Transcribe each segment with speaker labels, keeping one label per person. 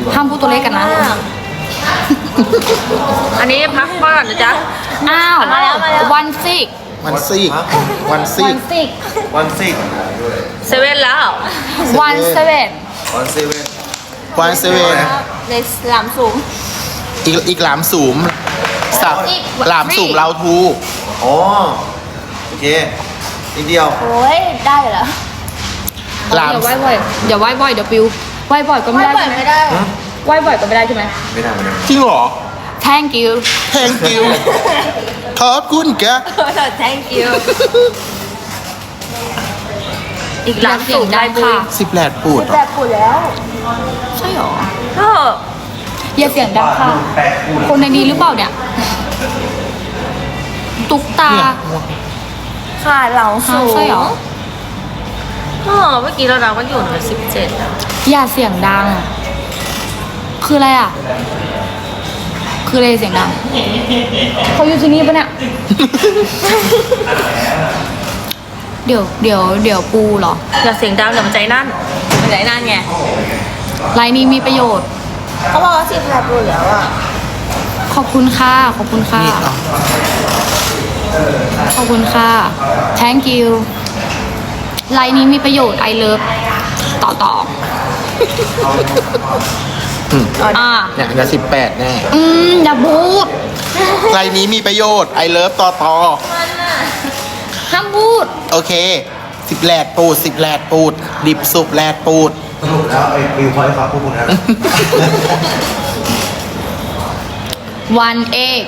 Speaker 1: ห้ามพูดตัวเลขกันนะ
Speaker 2: อันนี้พักก่อนนะจ๊ะ
Speaker 1: อ้าว
Speaker 2: มาแล้ว
Speaker 1: วันซิก
Speaker 3: วันซีกวันซี
Speaker 1: วั
Speaker 3: ก
Speaker 1: นซิก
Speaker 4: วันซิก
Speaker 2: เซเว่นแล้ว
Speaker 1: วันเซเว่น
Speaker 4: วันเซเว่น
Speaker 3: วันเซเว่น
Speaker 2: ในสนามสูง
Speaker 3: อีกหลามสูมสับหลามสูมเราทู
Speaker 4: อ๋อโอเคนิดเดียว
Speaker 2: โอ้ยได้เหรอ
Speaker 3: หลาม
Speaker 1: เดี๋ยวไหว้บ่อยเดี๋ยวไหว้บ่อยเดี๋ยวปิวไหว้บ่อยก็ไม่ได้ใช่ไหม
Speaker 2: ไม่ได้
Speaker 1: ไหว้บ่อยก็ไม่ได้ใช่ไหม
Speaker 4: ไม่ได้ไม่ได้
Speaker 3: จริงเหรอ
Speaker 1: thank you
Speaker 3: แทงกิวขอบคุณแก
Speaker 2: thank you อีกหลังสูงได้บุญ
Speaker 3: สิบแหลดปูดเหรอ
Speaker 2: แบบปุ๋ยแล้ว
Speaker 1: ใช่หรอ
Speaker 2: ก็
Speaker 1: อย่าเสียงดังค่ะ คนในนี้หรือเปล่าเนี่ย ตุ๊กตา
Speaker 3: เนี่ย
Speaker 2: ขาเหลาสูง
Speaker 1: ใช่หรอ
Speaker 2: ก็เมื่อกี้เราก็อยู่ใน17อ่ะ
Speaker 1: อย่าเสียงดัง คืออะไรอ่ะ คืออะไรเสียงดัง เขาอยู่ที่นี่ปะเนี่ย เดี๋ยวปูเหรอ
Speaker 2: อย่าเสียงดังเดี๋ยวมันใจนั่นมันใจนั่นไง
Speaker 1: ไลน์นี้มีประโยชน์
Speaker 2: เขาบอกว่า10 แบบปุ๋ยแล้วอ่ะ
Speaker 1: ขอบคุณค่ะ ขอบคุณค่ะ
Speaker 3: นี่เอา
Speaker 1: ขอบคุณค่ะ thank you ไลน์นี้มีประโยชน์ I love ต่อ อ่า
Speaker 3: เนี่ยจะ18แน่
Speaker 1: อย่าพูด
Speaker 3: ไรนี้มีประโยชน์ไอเลิฟต่อ
Speaker 1: ห้ามพูด
Speaker 3: โอเคสิบแหลดปูด10แหลดปูด ดิบสุบแหลดปูด
Speaker 4: สรุปแล้วไอ้ฟิวพอยต์ฝากพวกคุณนะ
Speaker 1: วันเอก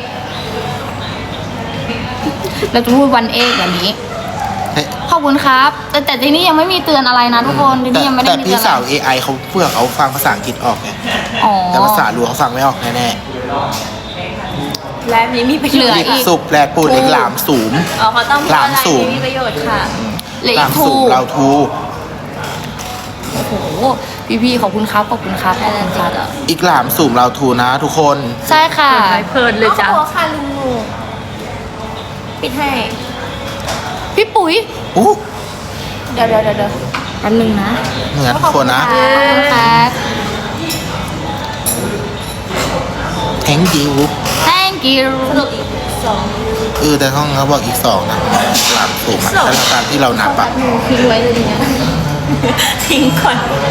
Speaker 1: เราจะพูดวันเอกแบบนี้ ขอบคุณครับ แต่ที่นี่ยังไม่มีเตือนอะไรนะทุกคนที่นี่ยังไม่ได้
Speaker 3: แต่
Speaker 1: มีเตื
Speaker 3: พี่
Speaker 1: อน
Speaker 3: สาว
Speaker 1: อะไร
Speaker 3: AI เขาเพื่อเขาฟังภาษาอังกฤษออกไง
Speaker 1: อ๋อ
Speaker 3: แต่ภาษาลัวเขาฟังไม่ออกแน่
Speaker 2: และนี้มีประโย
Speaker 1: เหลื
Speaker 2: ช
Speaker 1: อ
Speaker 2: น์
Speaker 3: ๆดิบ
Speaker 1: อีก
Speaker 3: สุบแหลดปูดอีกหลามสูม
Speaker 2: อ๋อเขาต้อง
Speaker 3: หลามสูง
Speaker 2: มีประโยชน์ค่ะ
Speaker 1: เหลือ
Speaker 3: ห
Speaker 1: อี
Speaker 3: ลาก ม
Speaker 1: ทู
Speaker 3: สูมเราทู
Speaker 1: โอ้โหพี่ๆขอบคุณครับขอบคุณครับขอบคุณครับ
Speaker 3: อีกหลามสูมเราทูนะทุกคน
Speaker 1: ใช่ค่ะ
Speaker 2: เพลินเลยจ้ะ
Speaker 5: หัวค่ะลุงหนูปิดให้
Speaker 1: พี่ปุ๋ย
Speaker 3: อู้
Speaker 5: เดี๋ยว
Speaker 1: แป๊บนึงนะ
Speaker 3: เหมือนทุกคนนะ
Speaker 1: ขอบคุณครับ
Speaker 3: thank you
Speaker 1: thank you
Speaker 3: แต่ห้องเขาบอกอีก2นะหลามสูมอะแต่ละการที่เรานับอะ
Speaker 1: ทิ้งไว้เลยเนี่ย
Speaker 2: ทิ้งก่อน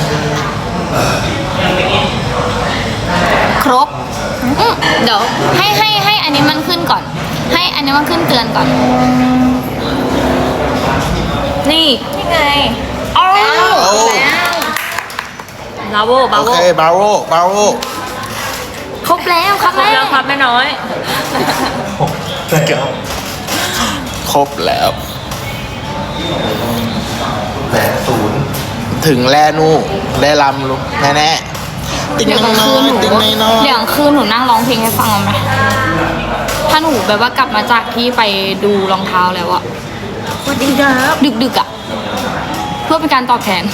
Speaker 1: ครบเดี๋ยวให้อันนี้มันขึ้นก่อน ให้อันนี้มันขึ้นเตือนก่อน
Speaker 2: นี่
Speaker 5: นี่ไง
Speaker 1: เอา
Speaker 3: โอ้
Speaker 2: บาโวบา
Speaker 3: โอ
Speaker 2: โว
Speaker 3: เคบาโรบาโร
Speaker 1: ครบแล้วครับ
Speaker 2: ครบแล้วครับแม่น้อย
Speaker 3: ครบแล้ว
Speaker 4: แหลศูนย์
Speaker 3: ถึงแลนูแลลำลุแน่ๆติ๊ง
Speaker 1: เดี๋ยวกลาง
Speaker 3: น้
Speaker 1: คื
Speaker 3: อน ย
Speaker 1: หนู
Speaker 3: ติ๊งน้อย
Speaker 1: เดี๋ยวกลางคืนหนูนั่งร้องเพลงให้ฟังเอาไหมถ้าหนูแบบว่ากลับมาจากที่ไปดูรองเท้าแล้วอะ
Speaker 2: สวัสดีครับ
Speaker 1: ดึกๆอะเพื่อเป็นการตอบแทน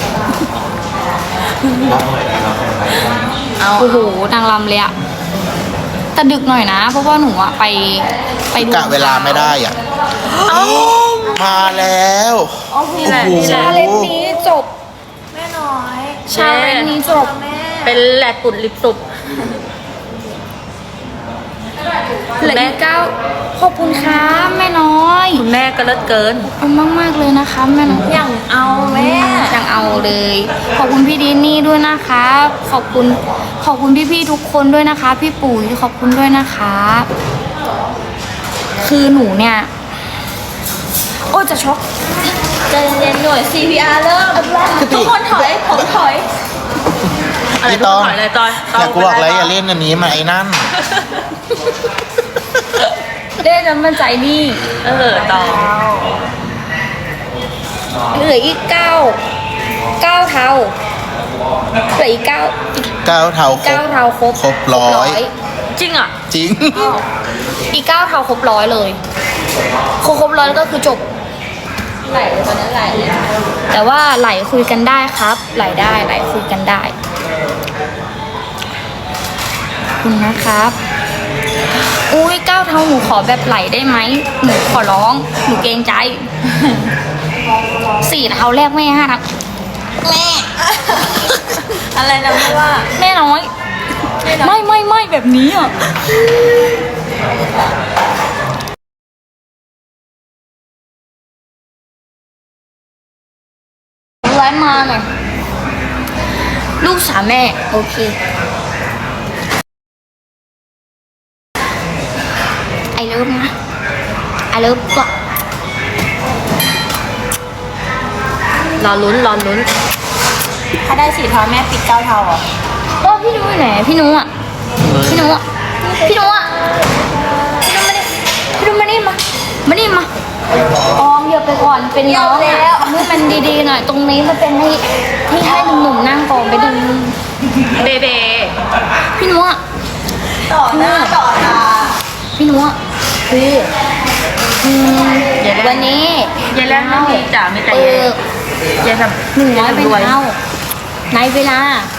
Speaker 2: เอา
Speaker 1: โอ้โหนางรำเลยอะแต่ดึกหน่อยนะ เพราะว่าหนูอะไปดู
Speaker 3: กะเวลาไม่ได้อ่ะมาแล้ว
Speaker 2: นี่แหละ
Speaker 3: โอ้โห
Speaker 2: นี่แหละ
Speaker 1: ชาเลนจ์นี้จบ
Speaker 5: แม่น้อย
Speaker 1: ชาเลนจ์นี้จบ
Speaker 5: แม่
Speaker 2: เป็นแหลกปุดลิปสุบ
Speaker 1: เหลืออีก9ขอบคุณครับแม่น้อย
Speaker 2: คุณแม่ก็เลิศเกิน
Speaker 1: ขอบคุณมากๆเลยนะคะแม่น้อย
Speaker 5: อย่างเอาแม่
Speaker 1: ยังเอาเลย ขอบคุณพี่ดินนี่ด้วยนะคะขอบคุณพี่ๆทุกคนด้วยนะคะ พี่ปุ๋ยขอบคุณด้วยนะคะ คือหนูเนี่ย โอ้จะช็อก
Speaker 5: ใจเย็นๆหน่วย CPR เริ่มทุกคนถอยผมถอย
Speaker 2: อะไร
Speaker 3: พี่
Speaker 2: ต้
Speaker 3: ต้
Speaker 2: อ
Speaker 3: อง ง
Speaker 2: ถอยอะไรตอย
Speaker 3: อยากกูบอกเลยอย่าเล่นอันนี้มาไอ้นั่น
Speaker 1: เด้น้ำมันใจนี่
Speaker 2: ต่อ
Speaker 1: เหลืออีก9เท่าเหลืออีก9
Speaker 3: ก้าวเท้าครบ
Speaker 1: 9เท่าครบ
Speaker 3: ครบร้อย
Speaker 2: จริงอ่ะ
Speaker 3: จริง
Speaker 1: อีก9เท่าครบ100เลยครบ100แล้วก็คือจบ
Speaker 5: ไหลเลยตอนนี้ไหลเลย
Speaker 1: แต่ว่าไหลคุยกันได้ครับ ไหลได้ไหลคุยกันได้ขอบคุณนะครับอุ้ย9เท่าหนูขอแบบไหลได้ไหมหนูขอร้องหนูเกรงใจ4เท่าแรกแม่5เท่าแม่
Speaker 2: อะไรนะไม่ว่า
Speaker 1: แม่น้อย ไม่แบบนี้อ่ะไลฟ์มาหน่อยลูกสาวแม่โอเคไอเลิฟนะไอเลิฟก็
Speaker 2: รอลุ้น
Speaker 5: ถ้าได้4 เท้าแม่ปิด9 เท้าเหรอ
Speaker 1: ก็พี่นุ้ยไหนพี่นุ้อ่ะพี่นุ้อ่ะพี่นุ้อ่ะพี่นุ้มานี่มานี่มาออมเหยียบไปก่อนเป็นน้องแล้วให้มันดีๆหน่อยตรงนี้มันเป็นที่ให้หนุ่มๆนั่งก่อนไปดู
Speaker 2: เด
Speaker 1: พี่นุ้อ่ะ
Speaker 5: ต่อหน้าต่อตา
Speaker 1: พี่นุ้อ่ะคือวันนี้
Speaker 2: ยายแรกไม่มีจ๋าไม่แต่ยายทำ
Speaker 1: 100 เป็นเท่าในเวลา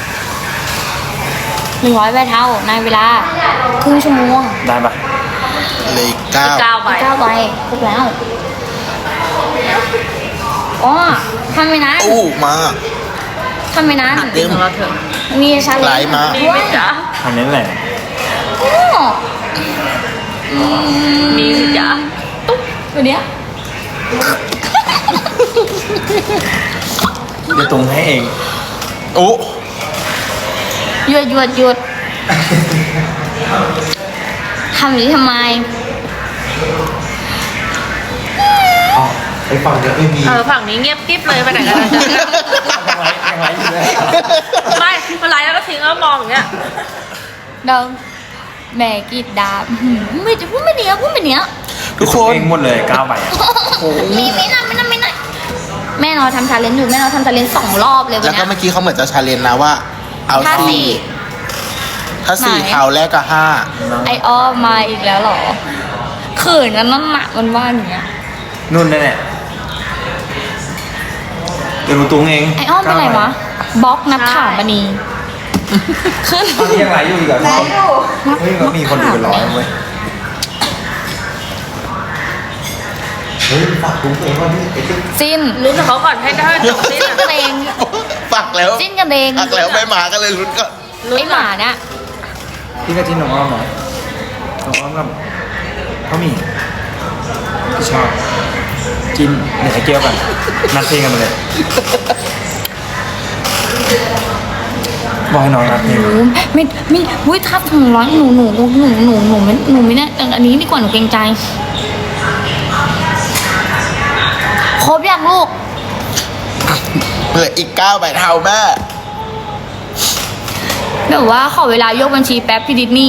Speaker 1: 100 ใบเท่าในเวลาครึ่งชั่วโมง
Speaker 3: ได้ปะเลยเก้า
Speaker 2: 9 ใบ
Speaker 1: 9 ใบครบแล้วอ๋อทำไปนั้น
Speaker 3: อู้มา
Speaker 1: ทำไปนั้น
Speaker 2: จริงของเราเถอะ
Speaker 1: มีชาเล
Speaker 3: ไหล
Speaker 1: นจ์
Speaker 3: มา
Speaker 2: มี
Speaker 1: ด้ว
Speaker 2: ไหม
Speaker 1: ย
Speaker 2: จ๊ะ
Speaker 6: อันนี้แหละ
Speaker 1: อ๋อ
Speaker 2: มีสิจ๊ะ
Speaker 1: ตัวเนี้ย
Speaker 6: เดี๋ยวตรงให้เอง
Speaker 3: โอ้
Speaker 1: หยุดทำอย่างนี้ทำไม
Speaker 3: ไอฝั่งเนี้ยไม่มี
Speaker 2: ฝั่งนี้เงียบกิ๊บเลยไปไหนกันนะจ๊ะ
Speaker 6: ยังไงอยู่เลย
Speaker 2: ไม่เป็นไรแล้วก็ทิ้งแล้วมองอย่างเงี้ย
Speaker 1: เดิมแม่กรีดดาไม่จะพูดไม่เนี้ย
Speaker 3: ทุกคน
Speaker 6: เองหมดเลย9 ใบอะ
Speaker 1: ไม่น่าแม่นอนทำชาเลนจ์อยู่แม่นอนทำชาเลนจ์2 รอบเลยวั
Speaker 3: แล้
Speaker 1: น
Speaker 3: วก็
Speaker 1: เนี้ย
Speaker 3: เมื่อกี้เขาเหมือนจะชาเลนจ์นะว่า เอา
Speaker 1: ถ้า
Speaker 3: สี่ถ้าสี่
Speaker 1: ไหน
Speaker 3: เท้าแรกก็ห้า
Speaker 1: ไออ้อมมาอีกแล้วเหรอเขินกันนั่นหนักมันว่าอย่างเงี้ย
Speaker 6: นุ่นแน่เดี๋ยวหนูตุ้งเอง
Speaker 1: ไออ้อมเป็นไรวะบล็อกนับข่าวมณีขึ้น
Speaker 6: ตอนนี้ยังไลฟ์อยู่อีกเหรอ
Speaker 5: ไหนอยู่
Speaker 6: เฮ้ยมันมีคนดูเป็นร้อยเว้ย
Speaker 3: เฮ้ยฝากคุ้มเองว่านี่ไอ้ที่
Speaker 1: จิ้น
Speaker 2: ลุ้นกับเขาก่อนให้ได้จบสิ้น
Speaker 1: จิ้นกันเอง
Speaker 3: ฝากแล้ว
Speaker 1: จิ้นกันเอง
Speaker 3: ฝากแล้วไม่มากันเลยลุ้นก็
Speaker 1: ไอหมาเนี่ย
Speaker 6: พี่ก็จิ้นน้องอ้อมหน่อยน้องอ้อมกับพ่อหมี่พี่ชอบจิ้นเดี๋ยวให้เกี่ยวกันนัดเพลงกันมาเลยบอกให้น้องนัดเพลง
Speaker 1: โอ้ไม่วุ้ยทับถึงร้อยหนูไม่ได้อันนี้ดีกว่าหนูเกรงใจครบยังลูก
Speaker 3: เหลืออีก9 ใบเท้าแม่
Speaker 1: แบบว่าขอเวลายกบัญชีแป๊บพี่ดิสนี่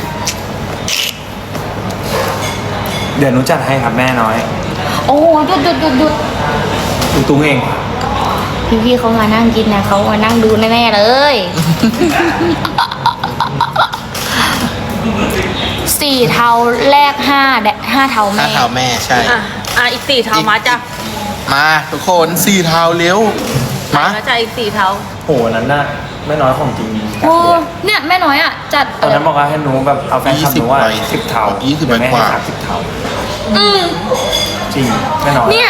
Speaker 6: เดี๋ยวหนูจัดให้ครับแม่น้อย
Speaker 1: โอ้หยุด
Speaker 6: หนูตุ้งเอง
Speaker 1: พี่เขามานั่งกินนะเขามานั่งดูแน่ๆเลย4 เท้าแรก5 เท้า
Speaker 3: ห้า
Speaker 1: แม่
Speaker 3: เท้าแม่ใช่
Speaker 2: อีก4 เท้ามาจ้ะ
Speaker 3: มาทุกคน4 เท้าเร็วมา
Speaker 2: มาจ้ะอีก4 เท้า
Speaker 6: โหนั้นน่ะแม่น้อยของจริง
Speaker 1: โอ้เนี่ยแม่น้อยอ่ะจัด
Speaker 6: ตอนนั้นบอกว่าให้หนูแบบเอาแฟนคลับหนูว่า10 เท่า
Speaker 3: 20 ใบ
Speaker 6: แม่
Speaker 3: ก
Speaker 6: ให้
Speaker 3: ว่า
Speaker 6: 30 เท่า
Speaker 1: อืม
Speaker 6: จริงแม่น้อย
Speaker 1: เนี่ย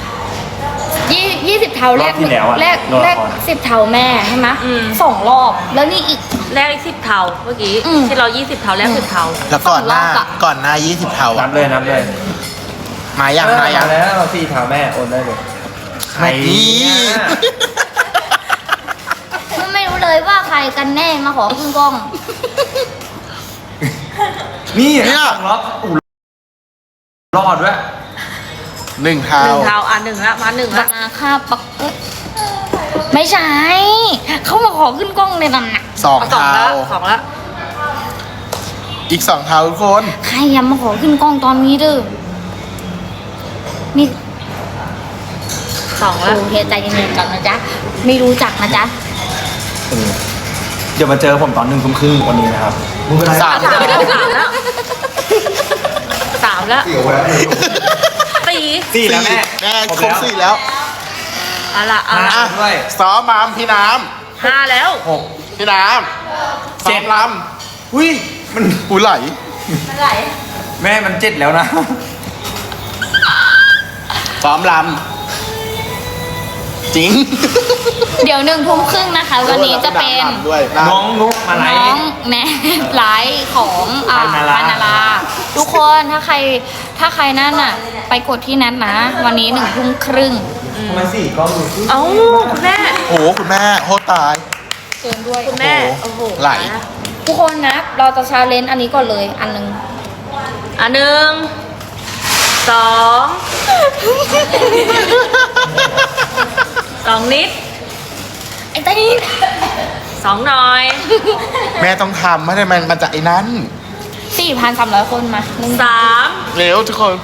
Speaker 1: 20 เท้าแรก
Speaker 6: รอบที่แล้วอะ
Speaker 1: แรก
Speaker 6: รอบก่อน
Speaker 1: 10 เท้าแม่ใช่ไหม2 รอบ แล้วนี่อีก
Speaker 2: แรก10 เท้าเมื่อกี้
Speaker 1: อืม
Speaker 2: ที่เรา20 เท้าแรก10 เท้า
Speaker 3: แล้วก่อนหน้า
Speaker 1: สองรอบอะ
Speaker 3: ก่อนหน้า20 เท้า
Speaker 6: นั
Speaker 3: อะ
Speaker 6: บเลยนับเลย
Speaker 3: มายังมายัง
Speaker 6: แล้ว4 เท่าแม่โอนได้เลย
Speaker 3: ใครนี่
Speaker 1: ไม่รู้เลยว่าใครกันแน่มาขอขึ้นกล้อง
Speaker 6: นี่
Speaker 3: เนี่ย
Speaker 6: ล็อกอู้รอดด้วย
Speaker 3: 1 เท้า
Speaker 2: 1 เท้า1ละมา1ละ
Speaker 1: มาค่าปักไม่ใช่ เขามาขอขึ้นกล้องเลยนั่นน่ะ
Speaker 3: 2
Speaker 2: 2
Speaker 3: เท้า
Speaker 2: ละ2ละ
Speaker 3: อีก2 เท้าทุกคน
Speaker 1: ใครยังมาขอขึ้นกล้องตอนนี้เด้อนี่
Speaker 2: 2ละ
Speaker 1: โอเคใจเย็นๆก่อนนะจ๊ะไม่รู้จักนะจ๊ะ
Speaker 6: เดี๋ยวมาเจอผมตอน1 ทุ่มครึ่งวันนี้นะครับ
Speaker 3: สาม
Speaker 2: 3แล้ว3แล้ว3แล้ว
Speaker 6: 4 แล้วแม่
Speaker 3: แม่ครบ4แล้ว
Speaker 2: เอาละ
Speaker 3: อ่ะ
Speaker 6: ด้วย
Speaker 3: ซ้อมมามพี่น้
Speaker 2: 5แล้ว
Speaker 3: ำพี่น้ำซ้อมล
Speaker 6: อุ้ยมัน
Speaker 3: ำหูไหล
Speaker 5: อะไร
Speaker 6: แม่มัน 7 แล้วนะ
Speaker 3: ซ้อมลจริง
Speaker 1: เดี๋ยว1 ทุ่มครึ่งนะคะ วันนี้จะเป็น
Speaker 3: ด้วย
Speaker 6: น้องนุกมาไล
Speaker 1: น้อง
Speaker 6: ฟ์
Speaker 1: แนทไลฟ์ของ
Speaker 6: ปานารา
Speaker 1: ปานาราทุกคนถ้าใครนั่นอ่ะ ไปกดที่นัดนะ วันนี้1 ทุ่มครึ่ง
Speaker 6: ทำไมสี่กล้องดูสิ
Speaker 2: เอ้าคุณแม่
Speaker 3: โอ้โหคุณแม่โคตรตาย
Speaker 1: เกินด้วย
Speaker 2: คุณแม่
Speaker 3: โอ้
Speaker 2: โอ้
Speaker 3: โห
Speaker 2: โห
Speaker 3: ไหล
Speaker 1: ทุกคนนะเราจะชาเลนจ์อันนี้ก่อนเลยอันหนึง
Speaker 2: อ่ะ1 2 2 นิด
Speaker 1: ไอ้เต้น
Speaker 2: 2 หน่อย
Speaker 3: แม่ต้องทำไม่ได้มันจะไอ้นั้น
Speaker 1: 4,300 คนมาหนึ่ง
Speaker 2: 3
Speaker 3: เร็วทุกคน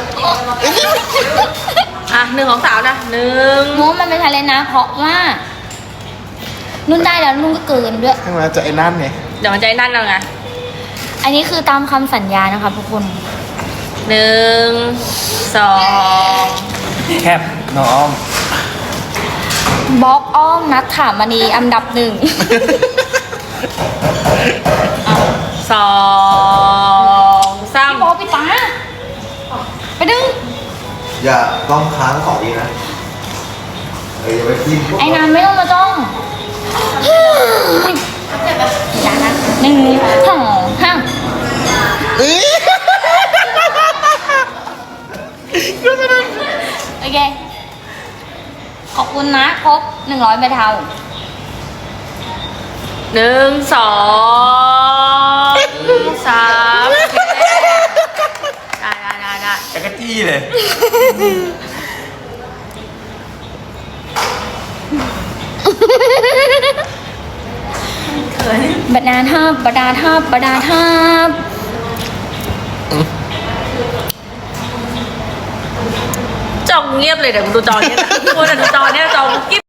Speaker 2: อ่ะ1 ของสาวนะ1
Speaker 1: นู้นมันเป็นชาเลนจ์นะ เพราะว่า นุ่นได้แล้วนุ่นก็เกินด้วย
Speaker 3: ให้มันจะไอ้นั่นไง
Speaker 2: เดี๋ยวมันใจนั่นแล้วไง
Speaker 1: อันนี้คือตามคำสัญญานะคะทุกคน
Speaker 2: 1 2
Speaker 6: แคบน้องอ้อม
Speaker 1: บล็อกอ้อมนัดถามมณีอันดับ 1
Speaker 2: 2
Speaker 1: พี่บอ
Speaker 2: 3
Speaker 1: กพี่ตาไปดึง
Speaker 4: อย่าต้องค้างก่อนดีนะอย่าไปกิน
Speaker 1: ไอ้นานไม่ต้องมาจ้องอย่านะ1 2 3 โอเค ขอบคุณนะครบ100ใบเทา
Speaker 2: 1 2 3ได้
Speaker 6: จักรจี้เลย
Speaker 1: บดาทับบดาทับบดาทับ
Speaker 2: จองเงียบเลยเดี๋ยวกูดูจอเนี้ยนะกูจะดูจอเนี้ยจอกิ๊บ